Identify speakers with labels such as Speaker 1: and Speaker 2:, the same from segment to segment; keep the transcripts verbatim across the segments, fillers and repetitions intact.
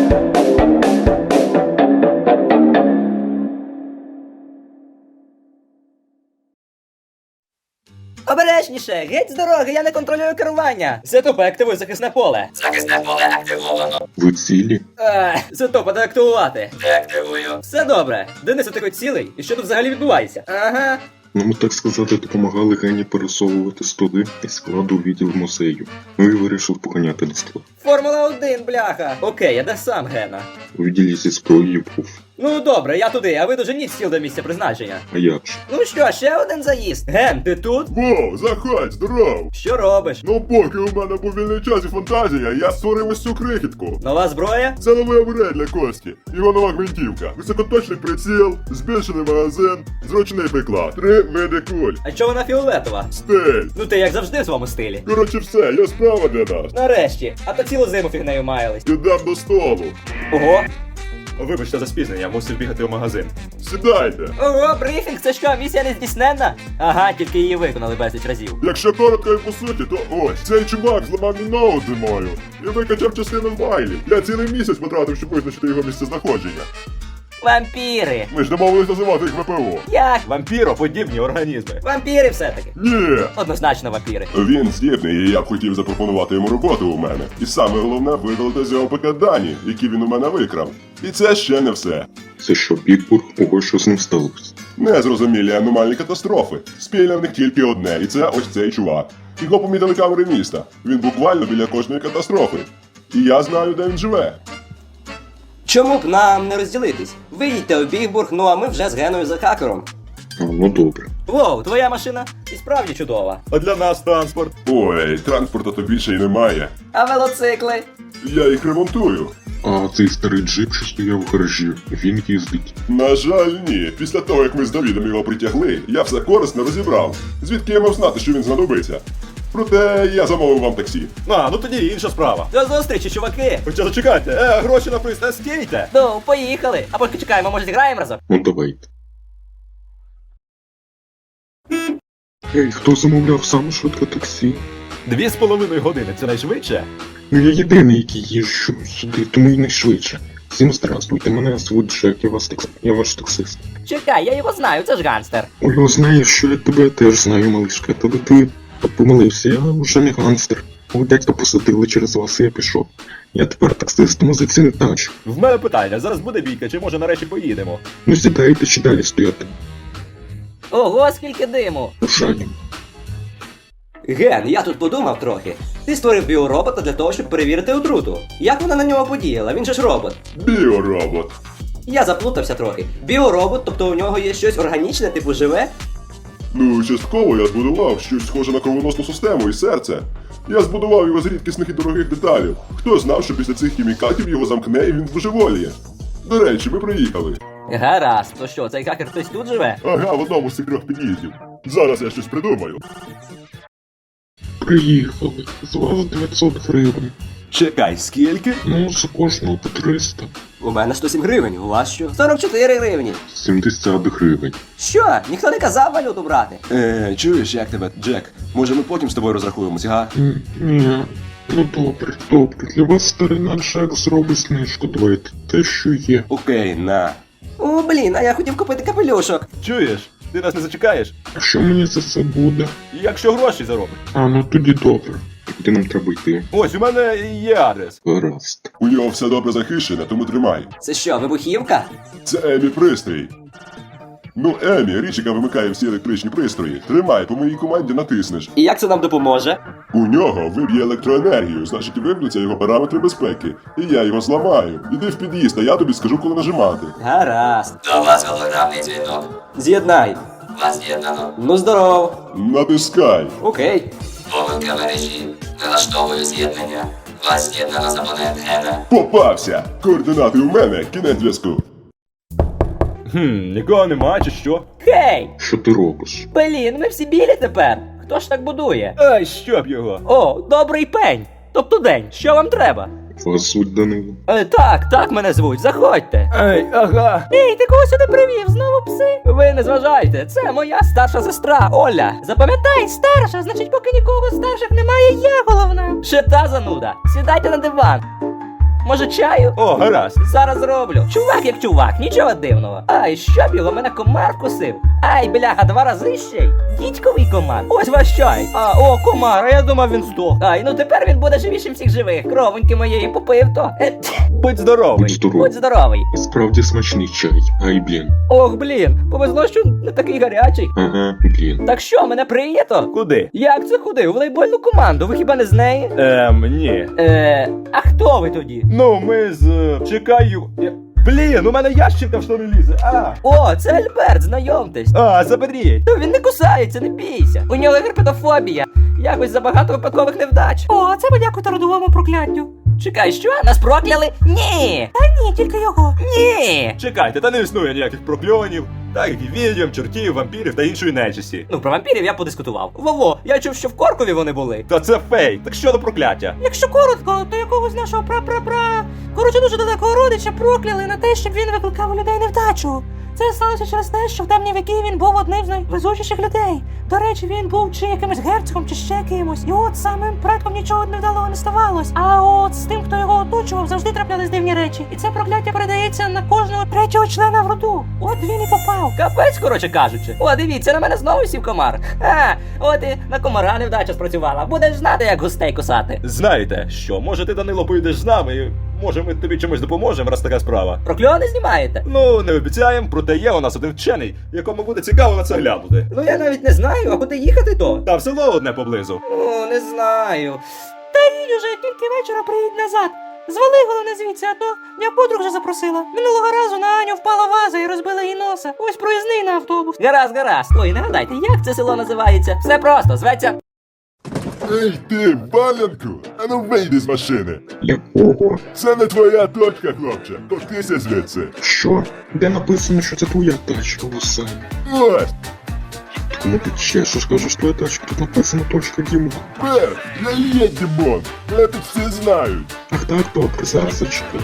Speaker 1: Обережніше! Геть з дороги, я не контролюю керування! Сетопа, активуй захисне поле!
Speaker 2: Захисне поле активовано.
Speaker 3: Ви цілі?
Speaker 1: Ех, Сетопа, деактивувати!
Speaker 2: Деактивую.
Speaker 1: Все добре. Денисе, ти хоч цілий? І що тут взагалі відбувається? Ага.
Speaker 3: Ну, ми, так сказати, допомагали Гені пересовувати столи із складу у відділ музею. Ну і вирішив поганяти на склад.
Speaker 1: Формула один, бляха! Окей, а де сам Гена?
Speaker 3: У відділі зі зброєю був.
Speaker 1: Ну добре, я туди, а ви доженіть стіл до місця призначення.
Speaker 3: А як же?
Speaker 1: Ну що, ще один заїзд? Ген, ти тут?
Speaker 4: Воу, заходь, здоров!
Speaker 1: Що робиш?
Speaker 4: Ну поки у мене був вільний час і фантазія, я створив ось цю крихітку.
Speaker 1: Нова зброя?
Speaker 4: Це новий апгрейд для Кості. Його нова гвинтівка. Високоточний приціл, збільшений магазин, зручний приклад. Три види куль.
Speaker 1: А чого вона фіолетова?
Speaker 4: Стиль.
Speaker 1: Ну ти як завжди в своєму стилі.
Speaker 4: Коротше все, є справа для нас.
Speaker 1: Нарешті, а то цілу зиму фігнею маялись.
Speaker 4: Ідем до столу.
Speaker 1: Ого.
Speaker 4: Вибачте за спізнення, мусив бігати в магазин. Сідайте.
Speaker 1: Ого, брифінг, це що, місія не здійсненна? Ага, тільки її виконали безліч разів.
Speaker 4: Якщо коротко і по суті, то ось. Цей чувак зламав мій ноут зимою і викачав частину файлів. Я цілий місяць потратив, щоб визначити його місцезнаходження.
Speaker 1: Вампіри.
Speaker 4: Ми ж домовились називати їх ВПО.
Speaker 1: Як?
Speaker 4: Вампіроподібні організми.
Speaker 1: Вампіри все-таки.
Speaker 4: Ні.
Speaker 1: Однозначно вампіри.
Speaker 4: Він здібний, і я б хотів запропонувати йому роботу у мене. І саме головне видалити з його ПК дані, які він у мене викрав. І це ще не все.
Speaker 3: Це що, Бігбург? Ого, що з ним сталося?
Speaker 4: Незрозумілі аномальні катастрофи. Спільне в них тільки одне, і це ось цей чувак. Його помітили камери міста. Він буквально біля кожної катастрофи. І я знаю, де він живе.
Speaker 1: Чому б нам не розділитись? Ви їдьте у Бігбург, ну а ми вже з Геною за хакером.
Speaker 3: А, ну добре.
Speaker 1: Воу, твоя машина і справді чудова.
Speaker 4: А для нас транспорт. Ой, транспорту то більше й немає.
Speaker 1: А велоцикли?
Speaker 4: Я їх ремонтую.
Speaker 3: А цей старий джип, що стояв в гаражі, він їздить.
Speaker 4: На жаль, ні. Після того, як ми з Давідом його притягли, я все корисно розібрав. Звідки я мав знати, що він знадобиться? Проте я замовив вам таксі.
Speaker 5: А, ну тоді інша справа.
Speaker 1: До зустрічі, чуваки!
Speaker 5: Хоча зачекайте, е, гроші на приз не стійте.
Speaker 1: Ну, поїхали. А поки чекаємо, може зіграємо разом?
Speaker 3: Ну давайте. Ей, хто замовляв саме швидке таксі?
Speaker 5: Дві з половиною години, це найшвидше?
Speaker 3: Ну я єдиний, який їжджу сюди, тому і найшвидше. Всім здравствуйте, мене звуть Джек, я, вас такс... я ваш таксист.
Speaker 1: Чекай, я його знаю, це ж ганстер.
Speaker 3: Ой, знаєш, що я тебе теж знаю, малишка, але ти помилився, я вже не ганстер. Мого дядька посадили через вас, і я пішов. Я тепер таксист, музиці не тачу.
Speaker 5: В мене питання, зараз буде бійка, чи може нарешті поїдемо?
Speaker 3: Ну сідайте чи далі стояти.
Speaker 1: Ого, скільки диму!
Speaker 3: Жаль.
Speaker 1: Ген, я тут подумав трохи. Ти створив біоробота для того, щоб перевірити отруту. Як вона на нього подіяла? Він же ж робот.
Speaker 4: Біоробот.
Speaker 1: Я заплутався трохи. Біоробот, тобто у нього є щось органічне, типу живе?
Speaker 4: Ну, частково я збудував щось схоже на кровоносну систему і серце. Я збудував його з рідкісних і дорогих деталів. Хто знав, що після цих хімікатів його замкне і він божеволіє. До речі, ми приїхали.
Speaker 1: Гаразд, то що, цей хакер хтось тут живе?
Speaker 4: Ага, в одному з цих трьох під'їздів. Зараз я щось придумаю.
Speaker 3: Приїхали. З вас дев'ятсот гривень.
Speaker 5: Чекай, скільки?
Speaker 3: Ну, за кожного по триста.
Speaker 1: У мене сто сім гривень, у вас що? сорок чотири гривні.
Speaker 3: сімдесят гривень.
Speaker 1: Що? Ніхто не казав валюту брати?
Speaker 5: Е, чуєш, як тебе, Джек? Може ми потім з тобою розрахуємося, га?
Speaker 3: М, Ні. Ну добре, добре. Для вас старина Джек зробить знижку. Давайте те, що є.
Speaker 5: Окей, на.
Speaker 1: О, блін, а я хотів купити капелюшок.
Speaker 5: Чуєш? Ти нас не зачекаєш?
Speaker 3: А що мені за це буде?
Speaker 5: Якщо гроші заробиш.
Speaker 3: А, ну тоді добре. Куди нам треба йти?
Speaker 5: Ось, у мене є адрес.
Speaker 3: Гаразд.
Speaker 4: У нього все добре захищене, тому тримай.
Speaker 1: Це що, вибухівка?
Speaker 4: Це Емі пристрій. Ну, Емі, річ, яка вимикає всі електричні пристрої. Тримай, по моїй команді натиснеш.
Speaker 1: І як це нам допоможе?
Speaker 4: У нього виб'є електроенергію, значить виб'ються його параметри безпеки. І я його зламаю. Іди в під'їзд, а я тобі скажу, коли нажимати.
Speaker 1: Гаразд.
Speaker 2: До вас голограмний дзвінок.
Speaker 1: З'єднай.
Speaker 2: Вас з'єднано.
Speaker 1: Ну здоров.
Speaker 4: Натискай.
Speaker 1: Окей.
Speaker 2: Помилка мережі. Налаштовую з'єднання. Вас з'єднано з абонент Гена.
Speaker 4: Попався! Координати у мене, кінець зв'язку.
Speaker 5: Хм, нікого нема, чи що?
Speaker 1: Хей!
Speaker 3: Що ти робиш?
Speaker 1: Блін, ми всі білі тепер. Хто ж так будує?
Speaker 5: Ай, щоб його.
Speaker 1: О, добрий пень. Тобто день. Що вам треба?
Speaker 3: Вас звуть Данило.
Speaker 1: Е, так, так мене звуть, заходьте.
Speaker 5: Ей, ага.
Speaker 1: Ей, ти кого сюди привів? Знову пси? Ви не зважайте, це моя старша сестра Оля. Запам'ятай, старша, значить, поки нікого старших немає, я головна. Ще та зануда. Сідайте на диван. Може чаю?
Speaker 5: О, гаразд.
Speaker 1: Зараз зроблю. Чувак як чувак, нічого дивного. Ай, щоб його, мене комар вкусив. Ай, бляха, два рази ще й. Дідьковий комар. Ось ваш чай. А, о, комар, а я думав він здох. Ай, ну тепер він буде живішим всіх живих. Кровоньки моєї попив то. Е,
Speaker 5: Будь здоровий.
Speaker 3: Будь здоровий.
Speaker 1: будь здоровий.
Speaker 3: І справді смачний чай. Ай, блін.
Speaker 1: Ох, блін, повезло, що не такий гарячий.
Speaker 3: Ага, блін.
Speaker 1: Так що, мене прийнято?
Speaker 5: Куди?
Speaker 1: Як це куди? У волейбольну команду, ви хіба не з неї?
Speaker 5: Ем, ні.
Speaker 1: Е, а хто ви тоді?
Speaker 5: Ну, ми з... е, Чекаю... Я- Блін, у мене ящик в штани лізе. А,
Speaker 1: О, це Альберт, знайомтесь.
Speaker 5: а, заберіть.
Speaker 1: Та він не кусається, не бійся. У нього герпетофобія. Якось забагато випадкових невдач. О, це подякуйте родовому прокляттю. Чекай, що? Нас прокляли? Ні! Та ні, тільки його. Ні!
Speaker 5: Чекайте, та не існує ніяких прокльонів, так як і відьом, чортів, вампірів та іншої нечисті.
Speaker 1: Ну, про вампірів я подискутував. Вово, я чув, що в Коркові вони були.
Speaker 5: Та це фейк, так що до прокляття?
Speaker 1: Якщо коротко, то якогось нашого пра-пра-пра. Коротше, дуже далекого родича прокляли на те, щоб він викликав у людей невдачу. Це сталося через те, що в темні віки він був одним з найвезучіших людей. До речі, він був чи якимось герцогом, чи ще кимось. І от самим предком нічого невдалого не ставалось. А от з тим, хто його оточував, завжди траплялись дивні речі. І це прокляття передається на кожного третього члена в роду. От він і попав. Капець, коротше кажучи. О, дивіться, на мене знову сів комар. А, от і на комара невдача спрацювала. Будеш знати, як густей кусати.
Speaker 5: Знаєте, що, може ти, Данило, поїдеш з нами, і може ми тобі чимось допоможемо, раз така справа.
Speaker 1: Прокльони знімаєте?
Speaker 5: Ну, не обіцяємо, проте є у нас один вчений, якому буде цікаво на це глянути.
Speaker 1: Ну я навіть не знаю, а куди їхати то?
Speaker 5: Та в село одне поблизу.
Speaker 1: О, не знаю. Та їдь уже, тільки вечора приїдь назад. Звали головне звідси, а то я подруг вже запросила. Минулого разу на Аню впала ваза і розбила їй носа. Ось проїзний на автобус. Гаразд, гаразд. Ой, нагадайте, як це село називається? Все просто, зветься.
Speaker 4: Ей ти, Балянку, а ну вийди з машини.
Speaker 3: Якого?
Speaker 4: Це не твоя точка, хлопче. Котися звідси.
Speaker 3: Що? Де написано, що це твоя тачка, Лусай?
Speaker 4: Ось,
Speaker 3: Кому ти чешеш, кажеш, твоя тачка, тут написано точка Дімон.
Speaker 4: Бер, я є Дімон. Мене тут всі знають.
Speaker 3: Ах так, добре, зараз зачекай.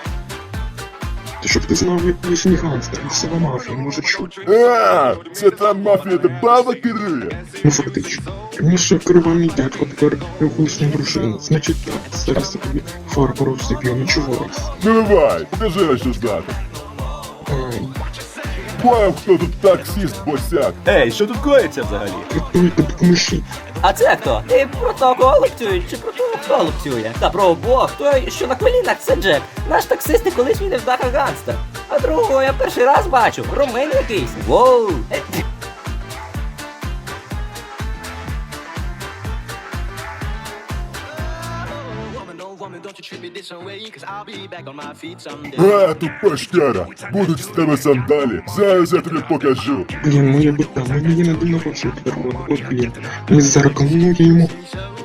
Speaker 3: Ти щоб ти знав, як колишній гангстер, місцева мафія, може чути.
Speaker 4: А, це та мафія, де баба керує.
Speaker 3: Ну фактично. Раніше керував мій дядько, тепер його колишня дружина. Значить так, зараз я тобі фарбу розсип'ю, нічого раз.
Speaker 4: Ну давай, покажи, що знати.
Speaker 3: Ай,
Speaker 4: Поняв, хто тут таксіст босяк.
Speaker 5: Ей, що тут коїться взагалі?
Speaker 3: рятуйте, допоможіть.
Speaker 1: А це хто? Ти про того, кого лупцюють, чи про того, хто лупцює? Та про обох, той, що на колінах, це Джек. Наш таксист і колишній невдаха гангстер. А другого я перший раз бачу, румин якийсь. Воу! Е,
Speaker 4: А, тупа штяра, будуть з тебе сандалі. Зараз я тобі покажу.
Speaker 3: Блін, моя бита, мені є на день народження тепер буде. От блін. Ми зараз кому я йому.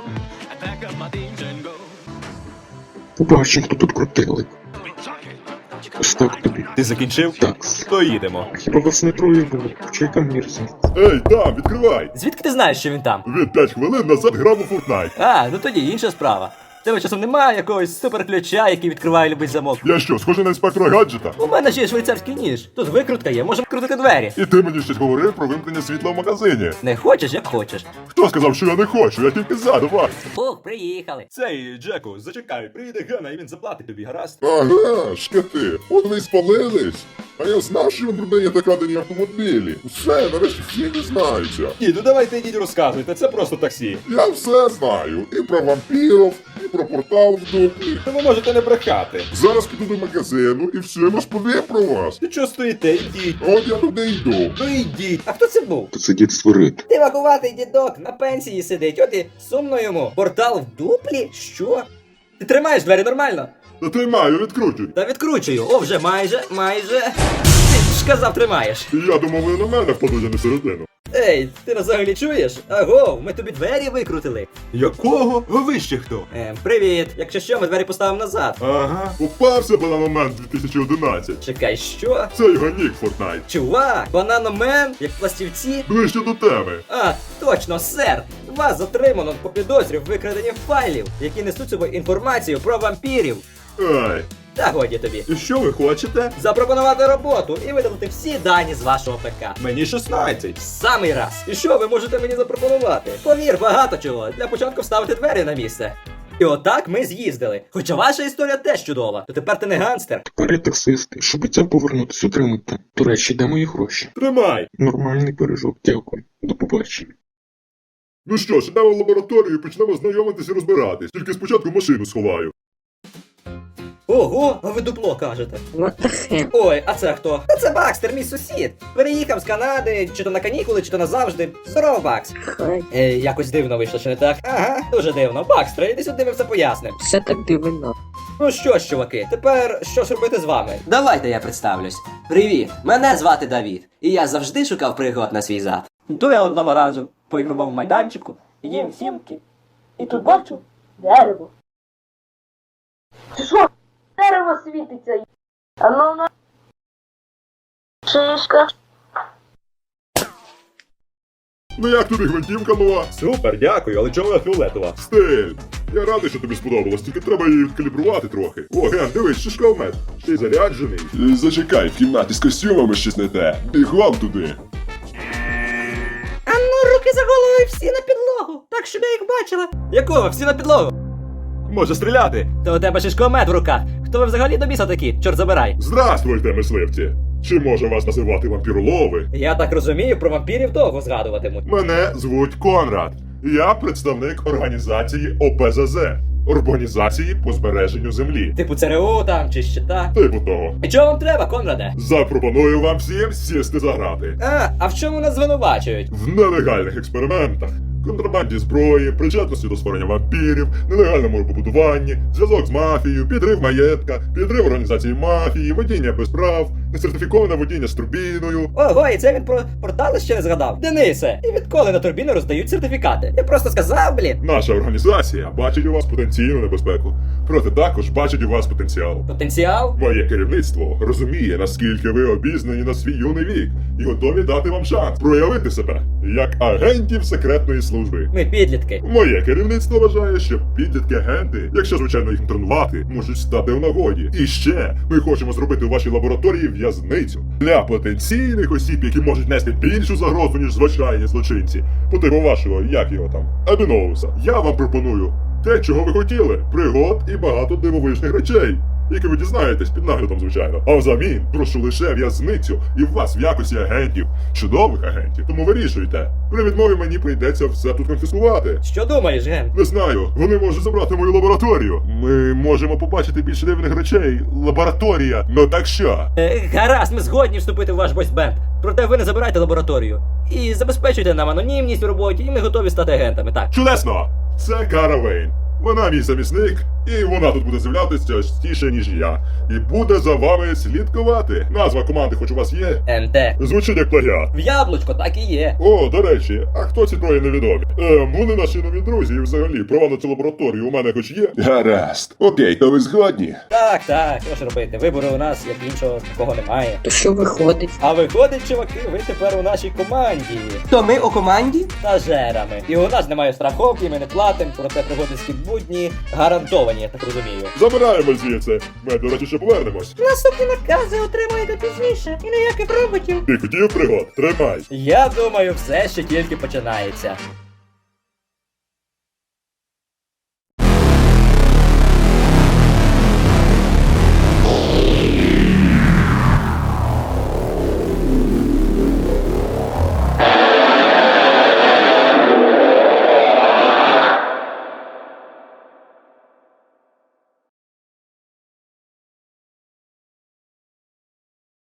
Speaker 3: Побачимо, хто тут крутилик. Ось так тобі.
Speaker 5: Ти закінчив?
Speaker 3: Такс.
Speaker 5: То їдемо.
Speaker 3: Хіба вас не троє було? Чи яка мірзність?
Speaker 4: Ей, там, відкривай.
Speaker 1: Звідки ти знаєш, що він там?
Speaker 4: Він п'ять хвилин назад грав у Fortnite.
Speaker 1: А, ну тоді інша справа. В тебе часом немає якогось суперключа, який відкриває любий замок.
Speaker 4: Я що, схожий на інспектора гаджета?
Speaker 1: У мене ще є швейцарський ніж. Тут викрутка є, можемо крутити двері.
Speaker 4: І ти мені щось говорив про вимкнення світла в магазині.
Speaker 1: Не хочеш, як хочеш.
Speaker 4: Хто сказав, що я не хочу? Я тільки за, давай.
Speaker 1: Фух, приїхали.
Speaker 5: Цей, Джеку, зачекай, приїде Гена і він заплатить тобі, гаразд?
Speaker 4: Ага, шкати, от вони й спалились. А я знав, що він продає докрадені автомобілі. Все, нарешті всі дізнаються.
Speaker 5: Ні, ну давайте йдіть розказуйте, це просто таксі.
Speaker 4: Я все знаю. І про вампірів, і про портал в дуплі.
Speaker 5: То ви можете не брехати.
Speaker 4: Зараз піду до магазину і все розповім про вас.
Speaker 5: Ну чого стоїте, йдіть.
Speaker 4: От я туди йду.
Speaker 5: Ну йдіть.
Speaker 1: А хто це був?
Speaker 3: Тут сидіть створити.
Speaker 1: Ти вакуватий дідок, на пенсії сидить, от і сумно йому. Портал в дуплі? Що? Ти тримаєш двері нормально?
Speaker 4: Та тримаю, відкручуй.
Speaker 1: Та відкручую. О, вже майже, майже. Ти ж казав, тримаєш.
Speaker 4: Я думав, ви на мене впадуть, а не середину.
Speaker 1: Ей, ти нас взагалі чуєш? Аго, ми тобі двері викрутили.
Speaker 5: Якого? Ви ще хто?
Speaker 1: Ем, привіт. Якщо що, ми двері поставимо назад.
Speaker 5: Ага.
Speaker 4: Попався бананомент дві тисячі одинадцять.
Speaker 1: Чекай, що?
Speaker 4: Це його нік Fortnite.
Speaker 1: Чувак, бананомен, як пластівці.
Speaker 4: Ближче до теми.
Speaker 1: А, точно, сер! Вас затримано по підозрі в викраденні файлів, які несуть собою інформацію про вампірів.
Speaker 4: Ай.
Speaker 1: Та годі тобі.
Speaker 5: І що ви хочете?
Speaker 1: Запропонувати роботу і видалити всі дані з вашого ПК.
Speaker 5: Мені шістнадцять.
Speaker 1: Самий раз. І що ви можете мені запропонувати? Повір, багато чого. Для початку вставити двері на місце.
Speaker 6: І отак ми з'їздили. Хоча ваша історія теж чудова. То тепер ти не ганстер.
Speaker 3: Тепер я таксист, і щоб це повернутись, отримати. До речі, де мої гроші?
Speaker 4: Тримай!
Speaker 3: Нормальний пиріжок, дякую. До побачення.
Speaker 4: Ну що ж, йдемо в лабораторію і почнемо знайомитись і розбиратись. Тільки спочатку машину сховаю.
Speaker 6: Ого, а ви дупло кажете.
Speaker 7: What the hell?
Speaker 6: Ой, а це хто? Та це Бакстер, мій сусід. Переїхав з Канади, чи то на канікули, чи то назавжди. Здорово, Бакс.
Speaker 7: Хай.
Speaker 6: Е, якось дивно вийшло, чи не так? Ага, дуже дивно. Бакстер, іди сюди, ми все поясним.
Speaker 7: Все так дивно.
Speaker 6: Ну що ж, чуваки, тепер що ж робити з вами?
Speaker 8: Давайте я представлюсь. Привіт, мене звати Давід, і я завжди шукав пригод на свій зад.
Speaker 9: Йду я одного разу по ігровому майданчику, їм сімки, і тут бачу дерево.
Speaker 10: Ти що? Дерево світиться. А ну на. Шишка.
Speaker 4: Ну як тобі гвинтівка нова?
Speaker 5: Супер, дякую, але чому вона фіолетова?
Speaker 4: Стиль! Я радий, що тобі сподобалось, тільки треба її відкалібрувати трохи. О, Ген, дивись, шишкомет. Ти заряджений? Зачекай, в кімнаті з костюмами щось не те. Бігом туди.
Speaker 1: А ну, руки за голову і всі на підлогу, так щоб я їх бачила.
Speaker 6: Якого? Всі на підлогу.
Speaker 5: Може стріляти?
Speaker 6: То у тебе шишкомет в руках. Хто ви взагалі до біса такі? Чорт забирай.
Speaker 4: Здравствуйте, мисливці! Чи може вас називати вампіролови?
Speaker 6: Я так розумію, про вампірів довго згадуватимуть.
Speaker 4: Мене звуть Конрад. Я представник організації О Пе Зе Зе. Організації по збереженню землі.
Speaker 6: Типу ЦРУ там чи ще так.
Speaker 4: Типу того.
Speaker 6: І чого вам треба, Конраде?
Speaker 4: Запропоную вам всім сісти за грати.
Speaker 6: А, а в чому нас звинувачують?
Speaker 4: В нелегальних експериментах. Контрабанді зброї, причетності до створення вампірів, нелегальному побудуванні, зв'язок з мафією, підрив маєтка, підрив організації мафії, водіння без прав, несертифіковане водіння з турбіною.
Speaker 6: Ого, і це він про портали ще не згадав. Денисе, і відколи на турбіни роздають сертифікати? Я просто сказав, блін.
Speaker 4: Наша організація бачить у вас потенційну небезпеку, проте також бачить у вас потенціал.
Speaker 6: Потенціал?
Speaker 4: Моє керівництво розуміє, наскільки ви обізнані на свій юний вік і готові дати вам шанс проявити себе як агентів секретної служби.
Speaker 6: Ми підлітки.
Speaker 4: Моє керівництво вважає, що підлітки-агенти, якщо звичайно їх тренувати, можуть стати в нагоді. І ще ми хочемо зробити у вашій лабораторії в'язницю для потенційних осіб, які можуть нести більшу загрозу, ніж звичайні злочинці. По типу вашого, як його там, Абіноуса. Я вам пропоную те, чого ви хотіли: пригод і багато дивовижних речей, які ви дізнаєтесь під наглядом, звичайно. А взамін прошу лише в'язницю і вас в якості агентів, чудових агентів. Тому вирішуйте. При відмові мені прийдеться все тут конфіскувати.
Speaker 6: Що думаєш, Ген?
Speaker 4: Не знаю, вони можуть забрати мою лабораторію. Ми можемо побачити більше дивних речей. Лабораторія. Ну так що?
Speaker 6: Е, гаразд, ми згодні вступити в ваш бойсбенд. Проте ви не забирайте лабораторію. І забезпечуйте нам анонімність в роботі, і ми готові стати агентами, так.
Speaker 4: Чудесно! Це Кара Вейн. Вона мій замісник, і вона тут буде з'являтися частіше, ніж я. І буде за вами слідкувати. Назва команди хоч у вас є?
Speaker 6: ен те.
Speaker 4: Звучить як плагіат.
Speaker 6: В яблучко так і є.
Speaker 4: О, до речі, а хто ці троє невідомі? Ем, вони наші нові друзі, і взагалі права на цю лабораторію у мене хоч є? Гаразд. Окей, то ви згодні?
Speaker 6: Так, так, що ж робити? Вибору у нас, як іншого, такого немає.
Speaker 7: То що виходить?
Speaker 6: А виходить, чуваки, ви тепер у нашій команді.
Speaker 8: То ми у команді?
Speaker 6: Стажерами. І у нас немає страховки, ми не платимо, проте пригодницькі будні гарантовані, я так розумію.
Speaker 4: Забираємо звідси. Ми, до речі, ще повернемось.
Speaker 1: Наступні накази отримаєте пізніше, і ніяких роботів.
Speaker 4: Ти хотів пригод? Тримай.
Speaker 6: Я думаю, все ще тільки починається.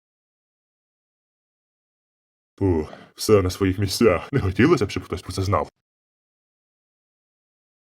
Speaker 4: Фух, все на своїх місцях. Не хотілося б, щоб хтось про це знав.